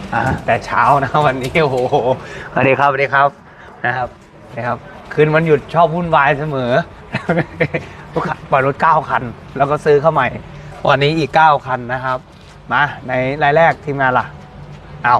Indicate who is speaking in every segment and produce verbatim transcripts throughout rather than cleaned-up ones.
Speaker 1: อ่าแต่เช้านะวันนี้โอ้โหสวัสดีครับสวัสดีครับนะครับนะครับคืนวันหยุดชอบวุ่นวายเสมอลูกค้าปล่อยรถเก้าคันแล้วก็ซื้อเข้าใหม่วันนี้อีกเก้าคันนะครับมาในรายแรกทีมงานล่ะเอา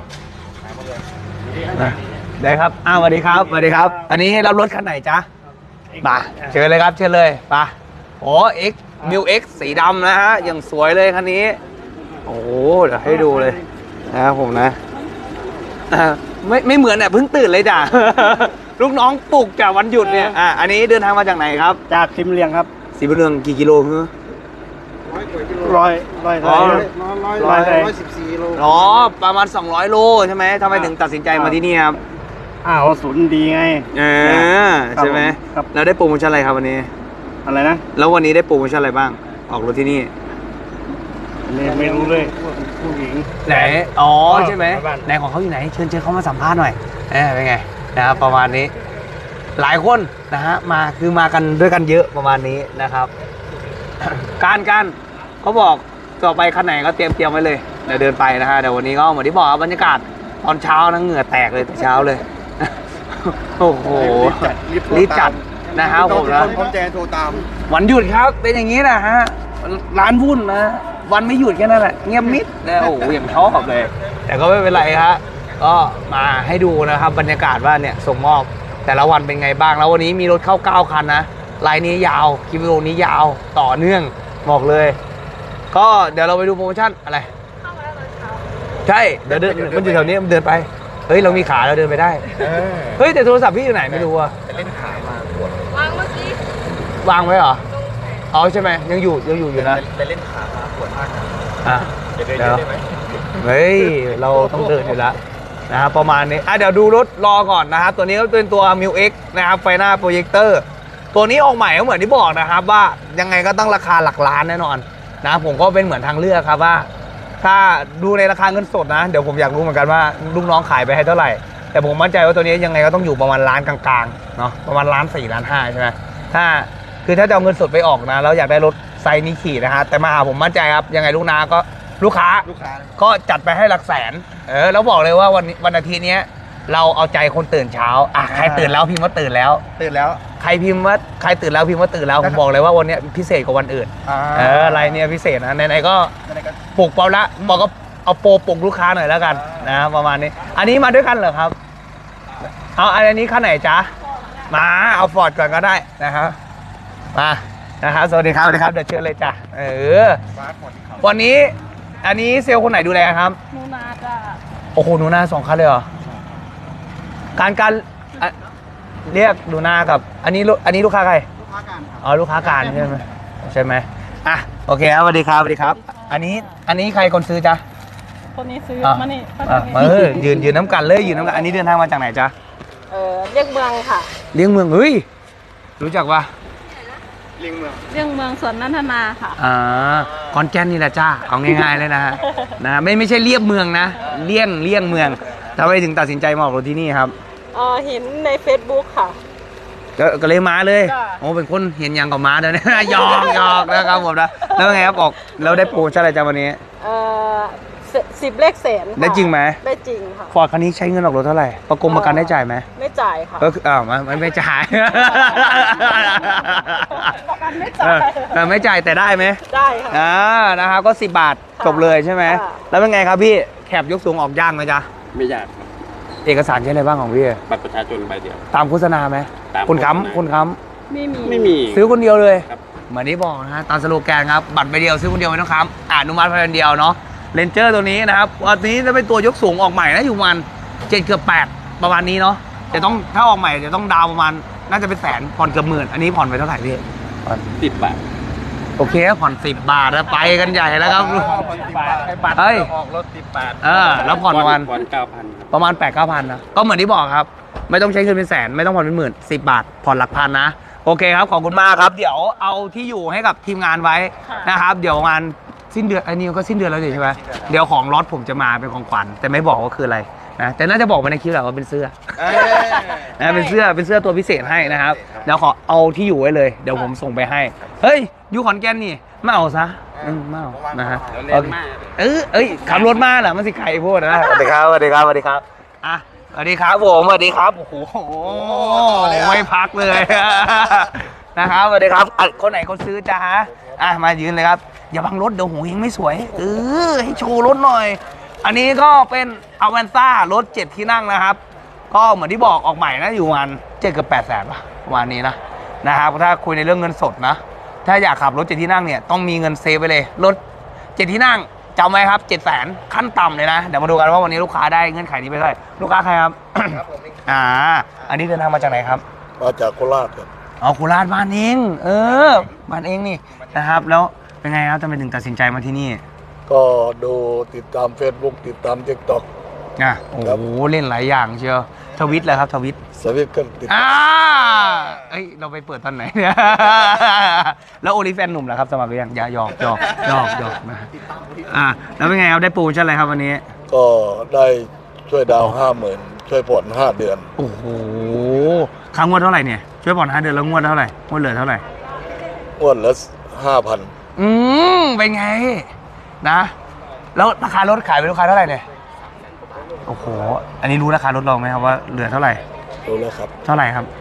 Speaker 1: ได้ครับอ้าวสวัสดีครับสวัสดีครับอันนี้รับรถคันไหนจ๊ะมาเชิญเลยครับเชิญเลยไปโอ้เอ็กมิวเอ็กสีดำนะฮะอย่างสวยเลยคันนี้โอ้โหเดี๋ยวให้ดูเลยนะครับผมนะไม่ไม่เหมือนเนี่ยเพิ่งตื่นเลยจ้ะ ลูกน้องปลุกจากวันหยุดเนี่ยอ่ะอันนี้เดินทางมาจากไหนครับ
Speaker 2: จากสิมเลียงครับ
Speaker 1: สีบุญเรืองกี่กิโลคือ
Speaker 2: ร้อยร้อยร้อยร้อยร้อยร้อยสิบสี่โล
Speaker 1: อ๋อประมาณสองร้อยโลใช่ไหมทำไมถึงตัดสินใจมาที่นี่ครับ
Speaker 2: อ้าวศูนย์ดีไง
Speaker 1: เออใช่ไหมแล้วได้โปรโมชั่นอะไรครับวันนี้
Speaker 2: อะไรนะ
Speaker 1: แล้ววันนี้ได้โปรโมชั่นอะไรบ้างออกรถที่นี่
Speaker 2: ไม่รู้เลยผู้หญิง
Speaker 1: ไหนอ๋อใช่ไหมไหนของเขาอยู่ไหนเชิญเชิญเขามาสัมภาษณ์หน่อยเออเป็นไงนะครับประมาณนี้หลายคนนะฮะมาคือมากันด้วยกันเยอะประมาณนี้นะครับ การการเขาบอกต่อไปคันไหนก็เตรียมเตรียมไว้เลยเดี๋ยวเดินไปนะฮะเดี๋ยววันนี้ก็เหมือนที่บอกบรรยากาศตอนเช้านะเหงื่อแตกเลยแต่เช้าเลย โอ้โหรีบจัดนะครับผมนะ
Speaker 2: ผมแจ้งโทรตาม
Speaker 1: วันหยุดครับเป็นอย่างนี้นะฮะร้านวุ่นนะวันไม่หยุดแค่นั้นแหละเงียบมิดนะโอ้โหอย่างชอบเลยแต่ก็ไม่เป็นไรฮะก็มาให้ดูนะครับบรรยากาศว่าเนี่ยส่งมอบแต่ละวันเป็นไงบ้างแล้ววันนี้มีรถเข้าเก้าคันนะไลน์นี้ยาวกิโลนี้ยาวต่อเนื่องบอกเลยก็เดี๋ยวเราไปดูโปรโมชั่นอะไรเข้ามาแล้วตอนเช้าใช่เดี๋ยวเดินมันอยู่แถวนี้มันเดินไปเฮ้ยเรามีขาเราเดินไปได้เฮ้ยแต่โทรศัพท์พี่อยู่ไหนไม่รู้อะ
Speaker 2: เล่นขามาว
Speaker 3: างเมื่อกี้
Speaker 1: วางไว้เหรออ๋อใช่ไหมยังอยู่ยังอยู่อยู่นะ
Speaker 2: ไปเล่นขามาปวดมาก
Speaker 1: อ่ะ
Speaker 2: จะเดินได้ไหม
Speaker 1: เฮ้ยเราต้องเดินอยู่แล้วนะครับประมาณนี้อ่ะเดี๋ยวดูรถรอก่อนนะครับตัวนี้ก็เป็นตัว มิว เอ็กซ์ นะครับไฟหน้าโปรเจคเตอร์ตัวนี้ออกใหม่ก็เหมือนที่บอกนะครับว่ายังไงก็ต้องราคาหลักล้านแน่นอนนะผมก็เป็นเหมือนทางเลือกครับว่าถ้าดูในราคาเงินสดนะเดี๋ยวผมอยากรู้เหมือนกันว่าลูกน้องขายไปให้เท่าไหร่แต่ผมมั่นใจว่าตัวนี้ยังไงก็ต้องอยู่ประมาณล้านกลางๆเนาะประมาณล้านสี่ล้านห้าใช่ไหมถ้าคือถ้าจะเอาเงินสดไปออกนะแล้วอยากได้รถไซส์นี้ขี่นะฮะแต่มาหาผมมั่นใจครับยังไงลูกน้าก็ลูกค้าก็จัดไปให้หลักแสนเออแล้วบอกเลยว่าวันวันอาทิตย์นี้เราเอาใจคนตื่นเช้าอ่ะใครตื่นแล้วพิมพ์ว่าตื่นแล้ว
Speaker 2: ตื่นแล้ว
Speaker 1: ใครพิมพ์ว่าใครตื่นแล้วพิมพ์ว่าตื่นแล้วผมบอกเลยว่าวันนี้พิเศษกว่าวันอื่นเอออะไรเนี่ยพิเศษนะไหนๆก็ปลุกเปล่าละบอกก็เอาโปรปลุกลูกค้าหน่อยแล้วกันนะประมาณนี้อันนี้มาด้วยกันเหรอครับเอาอันนี้คันไหนจ๊ะมาเอาฟอร์ดก่อนก็ได้นะครับมานะครับสวัสดีครับสวัสดีครับเดี๋ยวเชิญเลยจ้ะเออวันนี้อันนี้เซลล์คนไหนดูแลครับ
Speaker 3: หนูนาจ้ะ
Speaker 1: โอ้โหหนูนาสองคันเลยเหรอการการเรียกหนูนากับอันนี้อันนี้ลูกค้าใคร
Speaker 2: ลูกค้าการ
Speaker 1: อ๋อลูกค้าการใช่ไหมใช่ไหมอ่ะโอเคครับสวัสดีครับสวัสดีครับอันนี้อันนี้ใครคนซื้อจ๊ะ
Speaker 3: คนนี้ซื้อมานี่
Speaker 1: มาเออยืนยืนน้ำกันเลยยืนน้ำกันอันนี้เดินทางมาจากไหนจ๊ะ
Speaker 3: เออเรียกเมืองค่ะ
Speaker 1: เรียกเมืองเฮ้ยรู้จักปะ
Speaker 2: เรียงเมือง
Speaker 3: เรียงเมืองสวนนันทนาค่ะ
Speaker 1: อ่าคอนแกนนี่แหละจ้าเอาง่ายๆเลยนะนะไม่ไม่ใช่เรียบเมืองนะเลี่ยงเลี่ยงเมืองทำไมถึงตัดสินใจมาออกรถที่นี่ครับ
Speaker 3: เออเห็นใน เฟซบุ๊ก ค่ะ
Speaker 1: ก็เลยมาเลยโอ้เป็นคนเห็นยังกับมาเดี๋ยวนี้หยอกหยอกนะครับผมนะแล้วไงครับออกแล้วได้โปรชั่นอะไรจ้าวันนี้
Speaker 3: เออสิบเลขแสน
Speaker 1: ได้จริงไหม
Speaker 3: ได้จริงค่ะ
Speaker 1: ฟอร์ดคันนี้ใช้เงินออกรถเท่าไหร่ประกงประกันได้จ่ายไหม
Speaker 3: ไม่จ่ายค่ะ
Speaker 1: ก็คืออ้าวไม่ไม่จ่าย
Speaker 3: ประกันไม่จ่าย
Speaker 1: ไม่จ่ายแต่ได้ไหม
Speaker 3: ได้ค่ะ
Speaker 1: อ่านะครับก็สิบบาทจบเลยใช่ไหมแล้วเป็นไงครับพี่แคบยกสูงออกยากไหมจ๊ะ
Speaker 2: ไม่ยาก
Speaker 1: เอกสารใช้อะไรบ้างของพี่
Speaker 2: บัตรประชาชนใบเดียว
Speaker 1: ตามโฆษณาไหมคุณค้ำคุณค้
Speaker 3: ำไม่มี
Speaker 2: ไม่มี
Speaker 1: ซื้อคนเดียวเลยเหมือนที่บอกนะฮะตามสโลแกนครับบัตรใบเดียวซื้อคนเดียวไม่ต้องค้ำอนุมัติภายในเดียวเนาะเลนเจอร์ตัวนี้นะครับวันนี้จะเป็นตัวยกสูงออกใหม่นะอยู่ประมาณเจ็ดเกือบแปดประมาณนี้เนาะจะต้องถ้าออกใหม่จะต้องดาวประมาณน่าจะเป็นแสนผ่อนเกือบหมื่นอันนี้ผ่อนไปเท่าไหร่พี่
Speaker 2: ผ่อนสิบบาท
Speaker 1: โอเคผ่อนสิบบาทแล้วไปกันใหญ่แล้วครับ
Speaker 2: เฮ้ยออกรถสิบบาท
Speaker 1: เออแล้วผ่อนประมาณ
Speaker 2: ผ่อนเก้าพัน
Speaker 1: ประมาณแปดเก้าพันนะก็เหมือนที่บอกครับไม่ต้องใช้เงินเป็นแสนไม่ต้องผ่อนเป็นหมื่นสิบบาทผ่อนหลักพันนะโอเคครับขอบคุณมากครับเดี๋ยวเอาที่อยู่ให้กับทีมงานไว้นะครับเดี๋ยวงานสิ้นเดือนอันนี้ก็สิ้นเดือนแล้วใช่ไหมเดี๋ยวของรถผมจะมาเป็นของขวัญแต่ไม่บอกว่าคืออะไรนะแต่น่าจะบอกมาในคลิปแหละว่าเป็นเสื้อนะเป็นเสื้อเป็นเสื้อตัวพิเศษให้นะครับเดี๋ยวขอเอาที่อยู่ไว้เลยเดี๋ยวผมส่งไปให้เฮ้ยอยู่ขอนแก่นนี่มาเอาซะอืมมาเอานะฮะโอเคเออเอ้ยขับรถมาเหรอมันสิไก่พูดนะสวัสดีครับสวัสดีครับสวัสดีครับอ่ะสวัสดีครับผมสวัสดีครับโอ้โหไม่พักเลยนะครับสวัสดีครับอ่ะคนไหนคนซื้อจ้าอ่ะมายืนเลยครับอย่าบังรถเดี๋ยวหูเฮงไม่สวยเออให้โชว์รถหน่อยอันนี้ก็เป็นอเวนต้ารถเจ็ดที่นั่งนะครับก็เหมือนที่บอกออกใหม่นะอยู่ประมาณเจ็ดกับแปดแสนป่ะประมาณนี้นะนะครับถ้าคุยในเรื่องเงินสดนะถ้าอยากขับรถเจ็ดที่นั่งเนี่ยต้องมีเงินเซฟไปเลยรถเจ็ดที่นั่งจำไว้ครับเจ็ดแสนขั้นต่ำเลยนะเดี๋ยวมาดูกันว่าวันนี้ลูกค้าได้เงื่อนไขนี้ไปเท่าไหร่ลูกค้าใครครับ อ่าอันนี้เดินทางมาจากไหนครับ
Speaker 2: มาจากโคราชครับ
Speaker 1: เอาโคราชบ้านเองเออบ้านเองนี่นะครับแล้วเป็นไงครับทำไมถึงตัดสินใจมาที่นี่
Speaker 2: ก็ดูติดตาม Facebook ติดตาม TikTok
Speaker 1: อ่ะโอ้โหเล่นหลายอย่างเชียวทวิตเลยครับทวิต
Speaker 2: สวิตก็ติด
Speaker 1: อ่าเอ้ยเราไปเปิดตอนไหนเนี่ย แล้วโอลิแฟนหนุ่มเหรอครับสมัครหรือยังอย่าหยอกหยอกหยอกหยอกนะอ่าแล้วเป็นไงครับได้โปรโมชั่นอะไรครับวันนี้
Speaker 2: ก็ได้ช่วยดาวห้าหมื่นช่วยผ่อนห้าเดือน
Speaker 1: โอ้โหค้างงวดเท่าไหร่เนี่ยช่วยผ่อนห้าเดือนแล้วงวดเท่าไหร่งวดเหลือเท่าไหร่
Speaker 2: งวดละห้าพัน
Speaker 1: อืมเป็นไงนะ แล้วราคารถขายไปลูกค้าเท่าไหร่เนี่ยโอ้โหอันนี้รู้ราคารถเราไหมครับว่าเหลือเท่าไหร่
Speaker 2: รู้แล้วครับ
Speaker 1: เท่าไหร่ครับ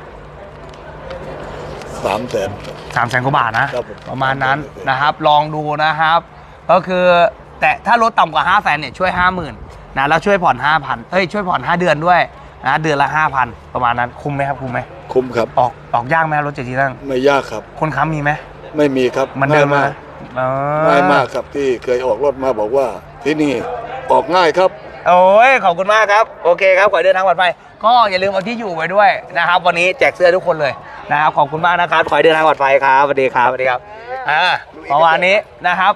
Speaker 2: สามแสน
Speaker 1: สามแสนกว่าบาทนะครับ
Speaker 2: ผม
Speaker 1: ประมาณนั้นนะครับ ลองดูนะครับ ก็คือแต่ถ้ารถต่ำกว่าห้าแสนเนี่ยช่วยห้าหมื่นนะแล้วช่วยผ่อนห้าพันเอ้ยช่วยผ่อนห้าเดือนด้วยนะเดือนละห้าพันประมาณนั้นคุ้มไหมครับคุ้มไหม
Speaker 2: คุ้มครับ
Speaker 1: ออกออกยากไหมครับรถเจ็ดที่นั่ง
Speaker 2: ไม่ยากครับ
Speaker 1: คนค้ำมีไหม
Speaker 2: ไม่มีครับ
Speaker 1: มันเดิม
Speaker 2: ง่าย
Speaker 1: มาม
Speaker 2: าก
Speaker 1: อ๋อ
Speaker 2: ง่ายมากครับที่เคยออกรถมาบอกว่าที่นี่ออกง่ายครับ
Speaker 1: โอ้ยขอบคุณมากครับโอเคครับขอให้เดินทางปลอดภัยก็อย่าลืมเอาที่อยู่ไว้ด้วยนะครับ วันนี้แจกเสื้อทุกคนเลยนะครับขอบคุณมากนะครับขอให้เดินทางปลอดภัยครับสวัสดีครับสวัสดีครับอ่าประมาณนี้นะครับ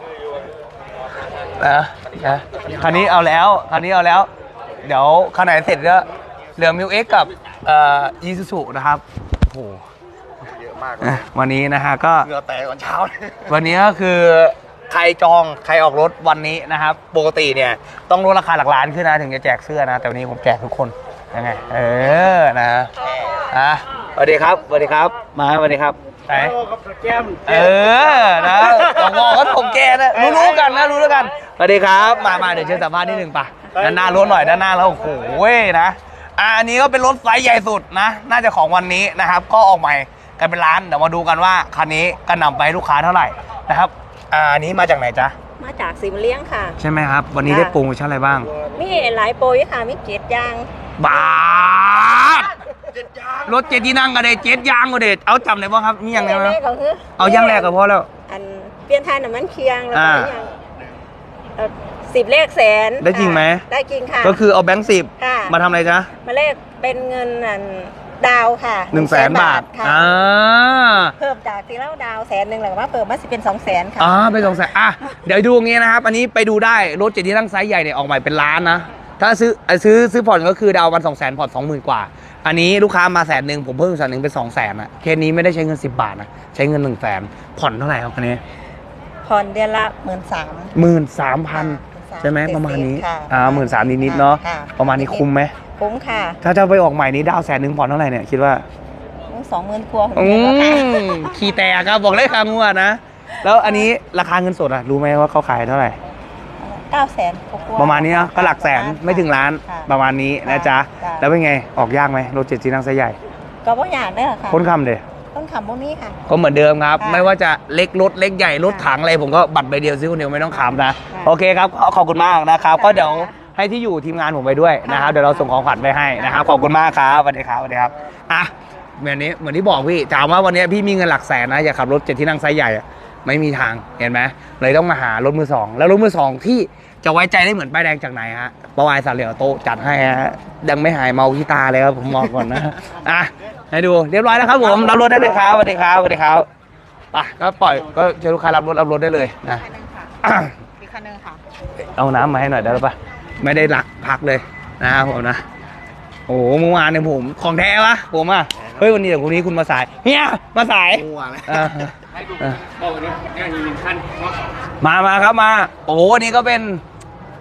Speaker 1: นะนะคันนี้เอาแล้วคันนี้เอาแล้ว เดี๋ยวคันไหนเสร็จก็เหลือมิวเอ็กกับเอ่ออีซูซูนะครับโอ้โหเยอะมากวันนี้นะฮะก็
Speaker 2: เหงื่อแตกตอนเช้า
Speaker 1: วันนี้ก็คือใครจองใครออกรถวันนี้นะครับปกติเนี่ยต้องลดราคาหลักล้านขึ้นนะถึงจะแจกเสื้อนะแต่วันนี้ผมแจกทุกคนยังไงเออนะอ่ะสวัสดีครับสวัสดีครับมาสวัสดีครับไหนเออนะต้องบอกว่าผมแกนะรู้ๆกันนะรู้ๆกันสวัสดีครับมามาเดี๋ยวเชิญสัมภาษณ์นิดหนึ่งป่ะด้านหน้ารถหน่อยด้านหน้าแล้วโอ้โหเว้ยนะอ่ะอันนี้ก็เป็นรถไซส์ใหญ่สุดนะน่าจะของวันนี้นะครับก็ออกใหม่กันเป็นล้านเดี๋ยวมาดูกันว่าคันนี้กระหน่ำไปลูกค้าเท่าไหร่นะครับอ่าอันนี้มาจากไหนจ๊ะ
Speaker 3: มาจากสิมเลี้ยงค่ะ
Speaker 1: ใช่ไหมครับ วันนี้ได้โปรโมชั่นอะไรบ้าง
Speaker 3: มีหลายโปรยค่ะ มีเจ็ดอยาง
Speaker 1: บาทรถเจ็ดที่นั่งก็ได้เจ็ดยางก็ได้เอาจำได้บ้างครับนี่ยังไง
Speaker 3: แร
Speaker 1: นะ
Speaker 3: กก็คือ
Speaker 1: เอายางแรกก็พอแล้ว
Speaker 3: อันเปลี่ยนทายน้ำมันเคียงแล้วก็
Speaker 1: อ่า
Speaker 3: อย่างเอ่อสิบเลขแสน
Speaker 1: ได้จริงไหม
Speaker 3: ค่ะได้จริงค่ะ
Speaker 1: ก็คือเอาแบงค์สิบ
Speaker 3: ค่ะ
Speaker 1: มาทำอะไรจ๊ะ
Speaker 3: มาเลขเป็นเงินอันดาวค่ะ
Speaker 1: หนึ่งแสนบาท
Speaker 3: ค่ะ
Speaker 1: อ่า
Speaker 3: เพิ่มจากที่เราดาวแสนหนึ่งหรือว่าเพิ่มมาสิเป็นสองแสนค่ะ
Speaker 1: อ่าไปสองแสนอ่ะเดี๋ยวดูอย่างงี้นะครับ อันนี้ไปดูได้รถเจ็ดที่นั่งไซส์ใหญ่เนี่ยออกใหม่เป็นล้านนะถ้าซื้อซื้อซื้อผ่อนก็คือดาววันสองแสนผ่อนสองหมื่นกว่า อันนี้ลูกค้ามาแสนหนึ่งผมเพิ่มแสนหนึ่งเป็นสองแสนอะเคสนี้ไม่ได้ใช้เงินสิบบาทนะใช้เงินหนึ่งแสนผ่อนเท่าไหร่ครับคันนี้
Speaker 3: ผ่อนเดือนละหมื่นสาม
Speaker 1: หมื่นสามพัน
Speaker 3: ค่ะ
Speaker 1: ใช่ไหมประมาณนี้
Speaker 3: ค่ะ
Speaker 1: อ่าหมื่นสามนิดๆเนาะ
Speaker 3: ค่ะ
Speaker 1: ประมาณนี้คุ้มไหม
Speaker 3: คุ้มค่ะ
Speaker 1: ถ้าจะไปออกใหม่นี้ดาวแสนหนึ่งผ่อนเท่าไหร่เนี่ยคิดว่า
Speaker 3: สองหมื่นครัว
Speaker 1: อืมขี่แตกครับบอกเลยคำว่านะ แล้วอันนี้ราคาเงินสดอะรู้ไหมว่าเขาขายเท่าไหร่
Speaker 3: เก้าแสน
Speaker 1: ประมาณนี้เนอะก็หลักแสนไม่ถึงล้าน
Speaker 3: ค่ะ
Speaker 1: ประมาณนี้นะจ๊ะ
Speaker 3: จ้ะ
Speaker 1: แล้วเป็นไงออกยากไหมรถเจ็ดที่นั่งไซส์ใหญ่
Speaker 3: ก็บ่อยากเด้อค่ะ
Speaker 1: ค้นคำเดย
Speaker 3: ต้องคำพวกนี้ค่ะ
Speaker 1: ก็เหมือนเดิมครับ
Speaker 3: ค่ะ
Speaker 1: ไม่ว่าจะเล็กรถเล็กใหญ่รถ
Speaker 3: ค่ะ
Speaker 1: ถังอะไรผมก็บัตรใบเดียวซื้อคนเดียวไม่ต้องขำนะ
Speaker 3: ค่ะ
Speaker 1: โอเคครับขอขอบคุณมากนะครับ
Speaker 3: ค่ะ
Speaker 1: ก็เดี๋ยวให้ที่อยู่ทีมงานผมไปด้วยนะครับ
Speaker 3: ค่ะ
Speaker 1: เดี๋ยวเราส่งของขวัญไปให้นะครับ
Speaker 3: ค่ะ
Speaker 1: ขอบคุณมากครับสวัสดีครับสวัสดีครับอ่ะเหมือนนี้เหมือนที่บอกพี่ถามว่าวันนี้พี่มีเงินหลักแสนนะอย่าขับรถเจ็ดที่นั่งไซส์ใหญ่อะไม่มีทางเห็นไหมเลยต้องมาหารถมือสองแล้วรถมือสองที่จะไว้ใจได้เหมือนป้ายแดงจากไหนฮะปวายสาเหลียวโตจัดให้ฮะยังไม่หายเมาที่ตาเลยครับผมบอกก่อนนะอ่ะให้ดูเรียบร้อยแล้วครับผมรับรถได้เลยครับสวัสดีครับสวัสดีครับไปก็ปล่อยก็เชิญลูกค้ารับรถรับรถได้เลยนะ
Speaker 3: คันหนึงค่ะอีกคันหนึงค่ะ
Speaker 1: เอาน้ำมาให้หน่อยได้หรือปะไม่ได้หลักพักเลยนะครับผมนะโอ้โหเมื่อวานเนี่ยผมของแท้วะผมอ่ะเฮ้ยวันนี้เดี๋ยวพรุ่งนี้คุณมาสายเฮียมาสายเออเออมามาครับมาโอ้โหนี่ก็เป็น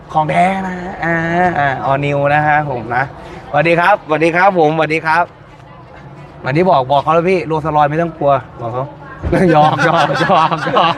Speaker 1: ของแท้นะอ่าอ่าออนิวนะฮะผมนะสวัสดีครับสวัสดีครับผมสวัสดีครับวันนี้บอกบอกเขาแล้วพี่โรสลอยไม่ต้องกลัวบอกเขายอมยอมยอมยอม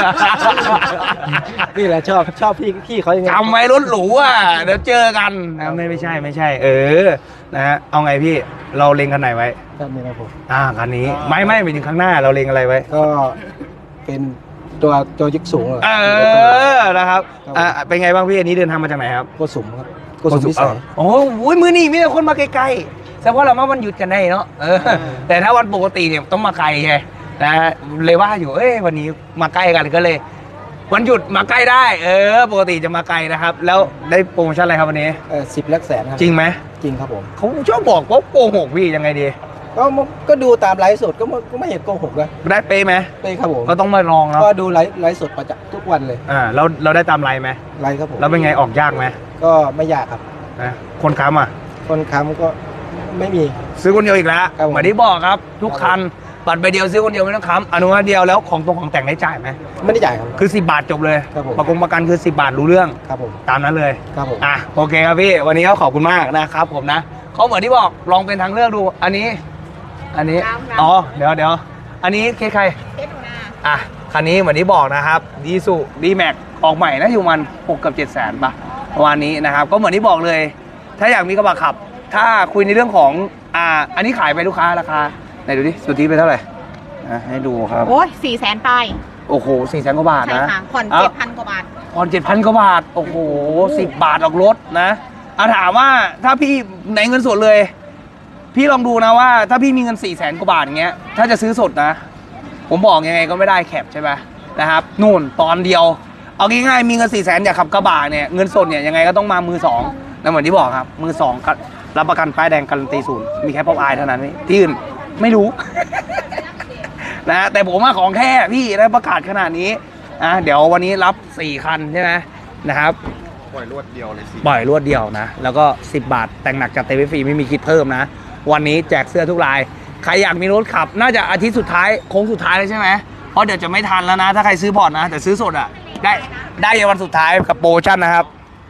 Speaker 2: นี่แหละชอบชอบพี่พี่เขายังไง
Speaker 1: จำไว้รถหรูอ่ะเดี๋ยวเจอกันนะไม่ไม่ใช่ไม่ใช่ เออนะฮะเอาไงพี่เราเล็งคันไหนไว้
Speaker 2: ครับนี่นะผม
Speaker 1: อ่าคันนี้ไม่ไม่ไปถึงข้างหน้าเราเล็งอะไรไว้
Speaker 2: ก็เป็นตัวตัวยึกสูงเลย
Speaker 1: เออนะครับอ่าเป็นไงบ้างพี่อันนี้เดินทางมาจากไหนครับ
Speaker 2: โกสุมครับโกสุมพิเศษ
Speaker 1: โอ้โหมือนี่มีแต่คนมาไกลๆแต่ว่าเรามาวันหยุดกันได้เนาะเออแต่ถ้าวันปกติเนี่ยต้องมาไกลไงนะเลยว่าอยู่เอ้ยวันนี้มาใกล้กันก็เลย วันหยุดมาใกล้ได้ เออ ปกติจะมาไกลนะครับ แล้วได้โปรโมชั่นอะไรครับวันนี้
Speaker 2: เออสิบลักแสนครับ
Speaker 1: จริงไหม
Speaker 2: จริงครับผม
Speaker 1: เขาชอบบอกว่าโกหกพี่ยังไงดี
Speaker 2: ก็มันก็ดูตามไลฟ์สดก็ไม่ก็ไม่เห็นโกหกนะ
Speaker 1: ได้เป๊ะไหม
Speaker 2: ไปครับผม
Speaker 1: ก็ต้องมาลองเนาะ
Speaker 2: ก็ดูไลฟ์ไลฟ์สดประจำทุกวันเลย
Speaker 1: อ่าเราเราได้ตามไลน์ไหม
Speaker 2: ไลฟ์ครับผม
Speaker 1: แล้วเป็นไงออกยากไหม
Speaker 2: ก็ไม่ยากครับ
Speaker 1: นะคนค้ำอ่ะ
Speaker 2: คนค้ำก็ไม่มี
Speaker 1: ซื้อคนเดียวอีกแล้ว
Speaker 2: ครับผม
Speaker 1: เหมือนที่บอกครับ ทุกคันบัตรใบเดียวซื้อคนเดียวไม่ต้องค้ำอนุญาตเดียวแล้วของตรงของแต่งได้จ่ายไหม
Speaker 2: ไม่ได้จ่ายครับ
Speaker 1: คือสิบบาทจบเลย
Speaker 2: ครับผม
Speaker 1: ประกงประกันคือสิบบาทรู้เรื่อง
Speaker 2: ครับผม
Speaker 1: ตามนั้นเลย
Speaker 2: ครับผม
Speaker 1: อ่ะโอเคครับพี่วันนี้ก็ขอบคุณมากนะครับผมนะเขาเหมือนที่บอกลองเป็นทางเลือกดู อันนี้ อันนี้อ๋อเดี๋ยวเดี๋ยวอันนี้เคสใคร
Speaker 3: เคสหนูนา
Speaker 1: อ่ะคันนี้เหมือนที่บอกนะครับดีสุดีแม็กออกใหม่นะอยู่มันหกกับเจ็ดแสนป่ะประมาณนี้นะครับก็เหมือนที่บอกเลย ถ้าอยากมีกระบะขับ ถ้าคุยในเรื่องของอ่าอันนี้ขายไปลูกค้าราคาไหนดูดิสุทธิไปเท่าไหร่อ่ะให้ดูครับ
Speaker 3: โอ้ยสี่แสนปลาย
Speaker 1: โอ้โหสี่แสนกว่าบาท
Speaker 3: ใช่
Speaker 1: นะ
Speaker 3: ค่ะผ่อน
Speaker 1: เอ้า
Speaker 3: เจ็ดพันกว่าบาท
Speaker 1: ผ่อนเจ็ดพันกว่าบาท โอ้โหสิบบาทออกรถนะอาถามว่าถ้าพี่ไหนเงินสดเลย พี่ลองดูนะว่าถ้าพี่มีเงินสี่แสนกว่าบาทอย่างเงี้ย ถ้าจะซื้อสดนะ ผมบอกยังไงก็ไม่ได้แคปใช่ไหมนะครับ นู่นตอนเดียว เอาง่ายๆมีเงินสี่แสนอยากขับกระบะเนี่ย เงินสดเนี่ยยังไงก็ต้องมามือสองนะเหมือนที่บอกครับ มือสองรับประกันป้ายแดงการันตีศูนย์มีแค่ป๊อปอายเท่านั้นที่อื่นไม่รู้ นะแต่ผมว่าของแค่พี่ได้ประกาศขนาดนี้อ่ะเดี๋ยววันนี้รับสี่คันใช่ไหมนะครับ
Speaker 2: ปล่อยรวดเดียวเลยสิ
Speaker 1: ปล่อยรวดเดียวนะ แล้วก็สิบบาทแต่งหนักจัดเต็มฟรีไม่มีคิดเพิ่มนะ วันนี้แจกเสื้อทุกราย ใครอยากมีรถขับ น่าจะอาทิตย์สุดท้ายโค้งสุดท้ายเลยใช่ไหมเพราะเดี๋ยวจะไม่ทันแล้วนะ ถ้าใครซื้อพอร์ตนะ แต่ซื้อสดอ่ะ ได้ได้ในวันสุดท้ายกับโปรโมชั่นนะครับ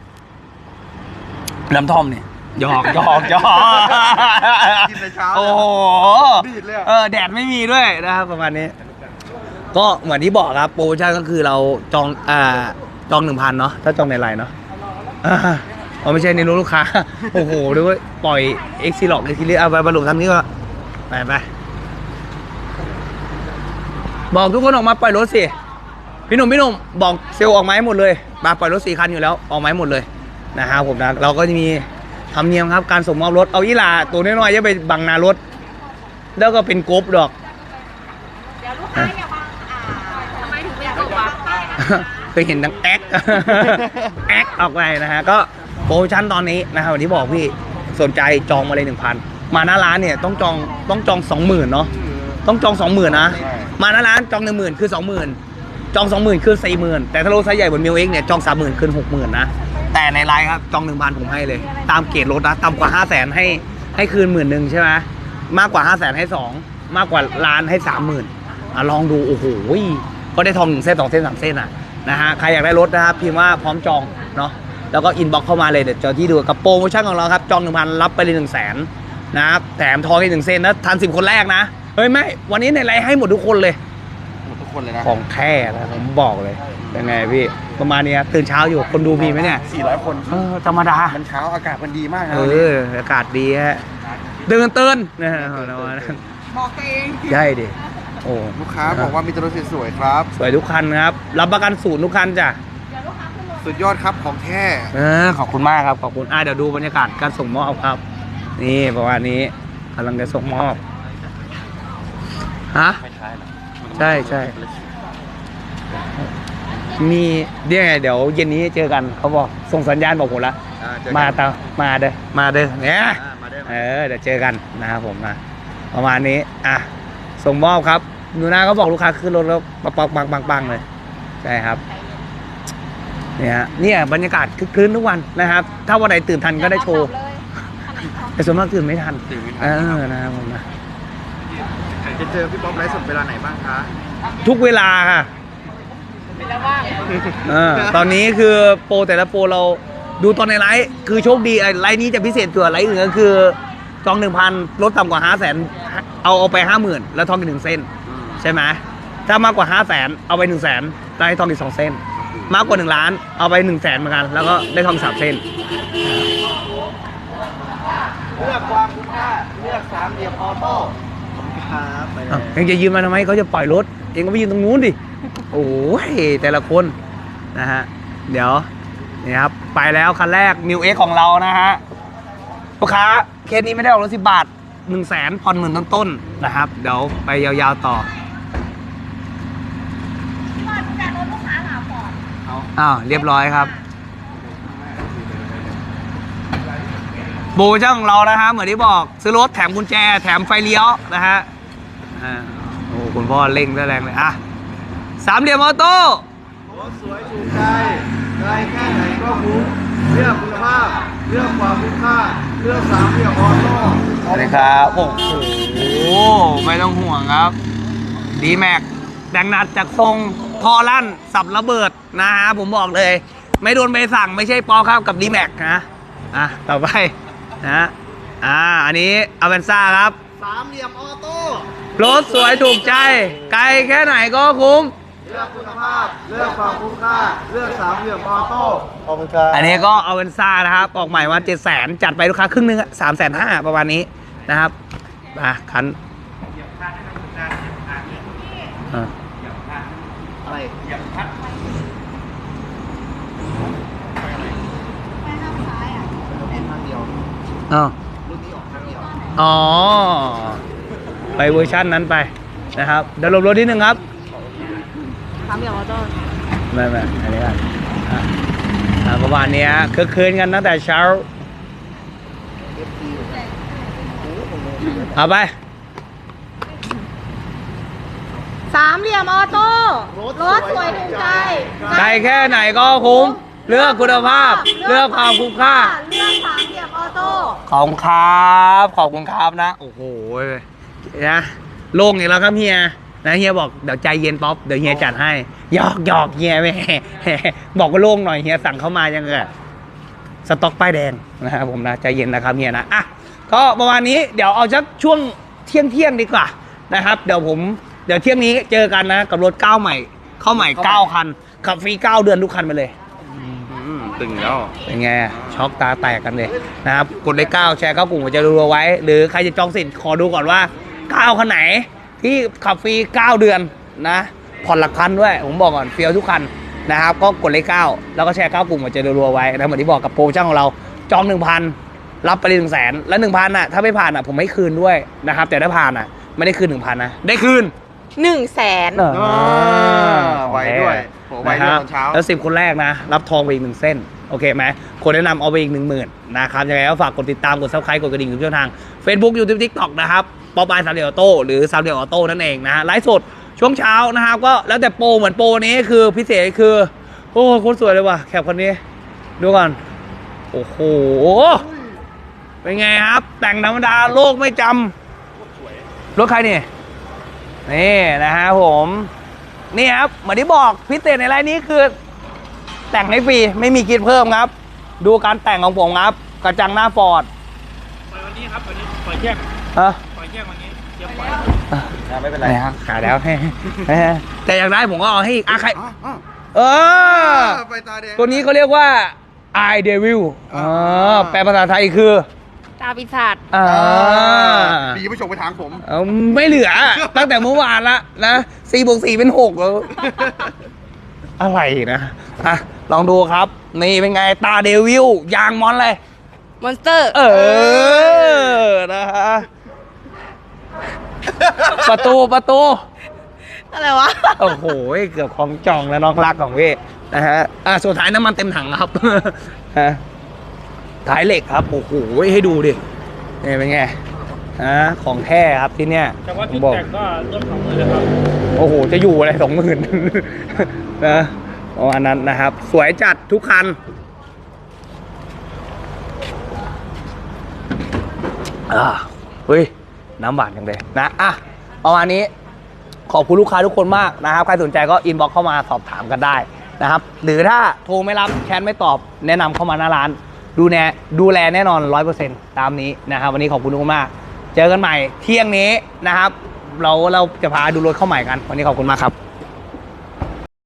Speaker 1: น้ำท่อมเนี่ยหยอกหยอกหยอก
Speaker 2: กินในเช้า
Speaker 1: โอ้โห
Speaker 2: ดีดเลย
Speaker 1: เออแดดไม่มีด้วยนะครับประมาณนี้ ก็เหมือนที่บอกครับโปรโมชั่นก็คือเราจองอ่าจองหนึ่งพันเนาะถ้าจองในไลน์เนาะอ่าเอาไม่ใช่ในรู้ลูกค้า โอ้โหด้วยปล่อยเอ็กซิล็อกเอ็กซิลิเอาไปบรรลุทำนี้ก็ไปไปบอกทุกคนออกมาปล่อยรถสิพี่หนุ่มพี่หนุ่มบอกเซลล์ออกไมาให้หมดเลยมาปล่อยรถสี่คันอยู่แล้วออกไมาให้หมดเลยนะครับผมนะเราก็จะมีธรรมเนียมครับการส่งมอบรถเอายี่หร่าตัวน้อยๆจะไปบังนารถแล้วก็เป็นกบดอก
Speaker 3: เดี๋ยวลูกค้าอย่ามาอ่าทำไมถึงเป็นกบวะ
Speaker 1: เคยเห็นดังแอ๊ก แอ๊กออกไปนะฮะก็โปรโมชั่นตอนนี้นะครับวันนี้บอกพี่สนใจจองมาเลยหนึ่งพันมาหน้าร้านเนี่ยต้องจองต้องจองสองหมื่นเนาะต้องจองสองหมื่นนะมาหน้าร้านจองหนึ่งหมื่นคือสองหมื่นจองสองหมื่นคือสี่หมื่นแต่ถ้ารถไซส์ใหญ่บนมิวเอ็กเนี่ยจองสามหมื่นคือหกหมื่นนะแต่ในไลน์ครับจองหนึ่งพันผมให้เลย ตามเกรดรถนะต่ำกว่าห้าแสนให้ให้คืนหมื่นหนึ่งใช่ไหมมากกว่าห้าแสนให้สองมากกว่าล้านให้สามหมื่นอ่ะลองดูโอ้โหก็ได้ทองหนึ่งเส้นสองเส้นสามเส้นอ่ะนะฮะใครอยากได้รถนะครับพิมพ์ว่าพร้อมจองเนาะแล้วก็อินบ็อกเข้ามาเลยเดี๋ยวเจอที่ดูกับโปรโมชั่นของเราครับจองหนึ่งพันรับไปเลยหนึ่งแสนนะครับแถมทองอีกหนึ่งเส้นนะทันสิบคนแรกนะเฮ้ยไม่วันนี้ในไลน์ให้หมดทุกคนเลย
Speaker 2: หมดทุกคนเลยนะ
Speaker 1: ของแท้นะผมบอกเลยเป็นไงพี่ประมาณนี้ครับตื่นเช้าอยู่คนดูมีไหมเนี่ย
Speaker 2: สี่ร้อยคน
Speaker 1: เออธรรมดา
Speaker 2: มันเช้าอากาศมันดีมากนะ
Speaker 1: เอออากาศดีฮะเดินเตือนนะฮะของเรา
Speaker 3: บอกตัวเอง
Speaker 1: ใช่ดิโอ้
Speaker 2: ลูกค้าบอกว่ามีแต่รถสวยๆครับ
Speaker 1: สวยทุกคันครับรับประกันศูนย์ทุกคันจ้ะ
Speaker 2: สุดยอดครับของแท้
Speaker 1: เออขอบคุณมากครับขอบคุณอ่ะเดี๋ยวดูบรรยากาศการส่งมอบครับ นี่ประมาณนี้กำลังจะส่งมอบฮะ
Speaker 2: ไม่ใช่หรอ
Speaker 1: ใช่ใช่มีเดี๋ยวไงเดี๋ยวเย็นนี้เจอกันเขาบอกส่งสัญญาณบอกผมละมาตามาเด้อมาเด้อเนี่ย
Speaker 2: มาได้
Speaker 1: เออเดี๋ยวเจอกันนะครับผมนะประมาณนี้อ่ะส่งมอบครับหนูนาเขาบอกลูกค้าขึ้นรถแล้วปังปังปังปังปังเลยใช่ครับเนี่ยฮะเนี่ยบรรยากาศคึกคืนทุกวันนะครับ ถ้าวันไหนตื่นทันก็ได้โชว์แต่ส่วนมากตื่นไม่ทัน
Speaker 2: ตื่นไม่
Speaker 1: เอ
Speaker 2: ทัน
Speaker 1: อนะครับผมนะ
Speaker 2: จะเจอพี่ป๊อปไลฟ์สดเวลาไหนบ้างคะ
Speaker 1: ทุกเวลาค่ะเออตอนนี้คือโปรแต่ละโปรเราดูตอนในไลฟ์คือโชคดีไอ้ไลฟ์นี้จะพิเศษกว่าไลฟ์อื่นก็คือจองหนึ่งพันลดต่ำกว่าห้าแสนเอาเอาไปห้าหมื่นแล้วทองอีกหนึ่งเส้นใช่ไหมถ้ามากกว่าห้าแสนเอาไปหนึ่งแสนได้ทองอีกสองเส้นมากกว่าหนึ่งล้านเอาไปหนึ่งแสนเหมือนกันแล้วก็ได้ทองสามเส้น
Speaker 2: เลือกความคุ้มค่าเลือกสามเหลี่ยมออโต้ครับไปเลย
Speaker 1: เองจะยืมมาทำไมเขาจะปล่อยรถเองก็ไปยืนตรงนู้นดิโอ้ยแต่ละคนนะฮะเดี๋ยวนี่ครับไปแล้วคันแรก มิว เอ็กซ์ ของเรานะฮะลูกค้าเคสนี้ไม่ได้ออกรถสิบบาทหนึ่งแสนผ่อนหมื่นต้นๆนะครับเดี๋ยวไปยาวๆต่ออ้าวเรียบร้อยครับโบช่างของเรานะฮะเหมือนที่บอกซื้อรถแถมกุญแจแถมไฟเลี้ยวนะฮะอ่าโอ้คุณพ่อเร่งได้แรงเลยอ่ะสามเหลี่ยมออโต้
Speaker 2: รถสวยถูกใจไกลแค่ไหนก็คุ้มเลือกคุณภาพเลือกความคุ้มค่าเลือกสามเหลี่ยมออโต้
Speaker 1: สวัสดีครับโอ้โหไม่ต้องห่วงครับดีแม็กแต่งหนัดจากทรงทอลั่นสับระเบิดนะฮะผมบอกเลยไม่โดนใบสั่งไม่ใช่ปอเข้ากับดีแม็กนะอ่ะต่อไปนะอ่าอันนี้อเวนซ่าครับ
Speaker 2: สามเหลี่ยมออโต้
Speaker 1: รถสวยถูกใจไกลแค่ไหนก็คุ้ม
Speaker 2: เลือกคุณภาพเลือกความคุ้มค่าเลือกสามเหลี่ยมออโต้ขอบคุณครับ
Speaker 1: อันนี้ก็อเวนซ่านะครับออกใหม่มาเจ็ดแสนจัดไปลูกค้าครึ่งนึงสามแสนห้าประมาณนี้นะครับอ่ะคันอ่า
Speaker 2: อะไรเหยียบพัดทางเดียว
Speaker 1: อ๋อ
Speaker 2: รุ่นนี้ออกทางเดียว
Speaker 1: อ๋อไปเวอร์ชันนั้นไปนะครับเดี๋ยวลบรถนิดนึงครับ
Speaker 3: สามเหลี่ยมออโต้
Speaker 1: ไม่ไม่อันนี้กันอ่ะอ่ะประมาณนี้คือคืนกันตั้งแต่เช้าเอาไป
Speaker 3: สามเหลี่ยมออโต้รถสวยถูกใจ
Speaker 1: ไกลแค่ไหนก็คุ้มเลือกคุณภาพเลือกความคุ้มค่า
Speaker 3: เลือกสามเหลี่ยมออโต้
Speaker 1: ขอบคุณครับขอบคุณครับนะโอ้โหนะโล่งอีกแล้วครับเฮียนะเฮียบอกเดี๋ยวใจเย็นป๊อปเดี๋ยวเฮียจัดให้หยอกหยอกเฮียแม่บอกว่าโล่งหน่อยเฮียสั่งเข้ามายังไงสต็อกป้ายแดงนะครับผมนะใจเย็นนะครับเฮียนะอ่ะก็ประมาณนี้เดี๋ยวเอาสักช่วงเที่ยงเที่ยงดีกว่านะครับเดี๋ยวผมเดี๋ยวเที่ยงนี้เจอกันนะกับรถเก้าใหม่เข้าใหม่เก้าคันขับฟรีเก้าเดือนทุกคันไปเลย
Speaker 2: ตึงแล้ว
Speaker 1: เป็นไงช็อกตาแตกกันเลยนะครับกดเลขเก้าแชร์เข้ากลุ่มจะรัวไว้ หรือใครจะจองสิทธิ์ขอดูก่อนว่าเก้าคันไหนที่ขับฟรีเก้าเดือนนะผ่อนหลักพันด้วยผมบอกก่อนเฟี้ยวทุกคันนะครับก็กดเลขเก้าแล้วก็แชร์เข้ากลุ่มจะรัวไว้นะเหมือนที่บอกกับโปรโมชั่นของเราจองหนึ่งพันรับไปเลยหนึ่งแสนแล้วหนึ่งพันอ่ะถ้าไม่ผ่านอ่ะผมไม่คืนด้วยนะครับแต่ถ้าผ่านอ่ะไม่ได้คืนหนึ่งพันนะได้คืน
Speaker 3: หนึ่งแสน
Speaker 2: ไว้ด้วยโหไว้ด้วยตอนเช้า
Speaker 1: แล้วสิบคนแรกนะรับทองไปอีกหนึ่งเส้นโอเคไหมคนแนะนำเอาไปอีกหนึ่งหมื่นนะครับยังไงก็ฝากกดติดตามกดซับสไครต์กดกระดิ่งทุกช่องทาง Facebook YouTube TikTok นะครับป๊อปอายสามเหลี่ยมออโต้หรือสามเหลี่ยมออโต้นั่นเองนะฮะไลฟ์สดช่วงเช้านะครับก็แล้วแต่โปรเหมือนโปรนี้คือพิเศษคือโอ้โคตรสวยเลยว่ะแคปคนนี้ดูก่อนโอ้โหเป็นไงครับแต่งธรรมดาโลกไม่จำรถใครเนี่ยนี่นะฮะผมนี่ครับเหมือนที่บอกพิเศษในรายนี้คือแต่งให้ฟรีไม่มีคิดเพิ่มครับดูการแต่งของผมครับกระจังหน้าฟอร์ด
Speaker 2: ปล่อยวันนี้ครับวันนี้ปล่อยแยก
Speaker 1: ฮะ
Speaker 2: ปล่อยแยกวันนี้เตรียมปล่อยไม่เป็น
Speaker 1: ไรครับขายแล้วแต่อย่างไรผมก็เอาให้อีกอ่ะใครเออ
Speaker 2: ไฟตาแดง
Speaker 1: ตัวนี้เขาเรียกว่า I Devil อ๋อแปลภาษาไทยคือ
Speaker 3: ตาปีศาจ
Speaker 1: อ่า
Speaker 2: ดีไม่ชงไปทางผม
Speaker 1: เออไม่เหลือ ตั้งแต่เมื่อวานละนะสี่บวกสี่เป็นหกแล้วอะไรนะอ่ะลองดูครับ นี่เป็นไงตาเดวิลยางมอนเลย
Speaker 3: มอนสเตอร์
Speaker 1: เออนะฮะประตูประตู
Speaker 3: อะไรวะ
Speaker 1: โอ้โหเกือบของจองแล้วน้องรักของพี่นะฮะอ่ะสุดท้ายน้ำมันเต็มถังครับฮะท้ายเหล็กครับโอ้โหให้ดูดินี่เป็นไงฮะของแท้ครับที่เนี้ย
Speaker 2: แต่ว่า
Speaker 1: ผ
Speaker 2: จุ
Speaker 1: ม
Speaker 2: ด
Speaker 1: บอก
Speaker 2: แตกก็เริ่มสองหมื่นแล้วครับ
Speaker 1: โอ้โหจะอยู่อะไรสองหมื่นนะประมาณนั้นนะครับ สวยจัดทุกคันอ่าเฮ้ยน้ำหวานจังเลยนะอ่ะประมาณนี้ขอบคุณลูกค้าทุกคนมากนะครับใครสนใจก็อินบ็อกเข้ามาสอบถามกันได้นะครับหรือถ้าโทรไม่รับแชทไม่ตอบแนะนำเข้ามาหน้าร้านดูแลดูแลแน่นอน ร้อยเปอร์เซ็นต์ ตามนี้นะครับวันนี้ขอบคุณทุกคนมากเจอกันใหม่เที่ยงนี้นะครับเราเราจะพาดูรถเข้าใหม่กันวันนี้ขอบคุณมากครับ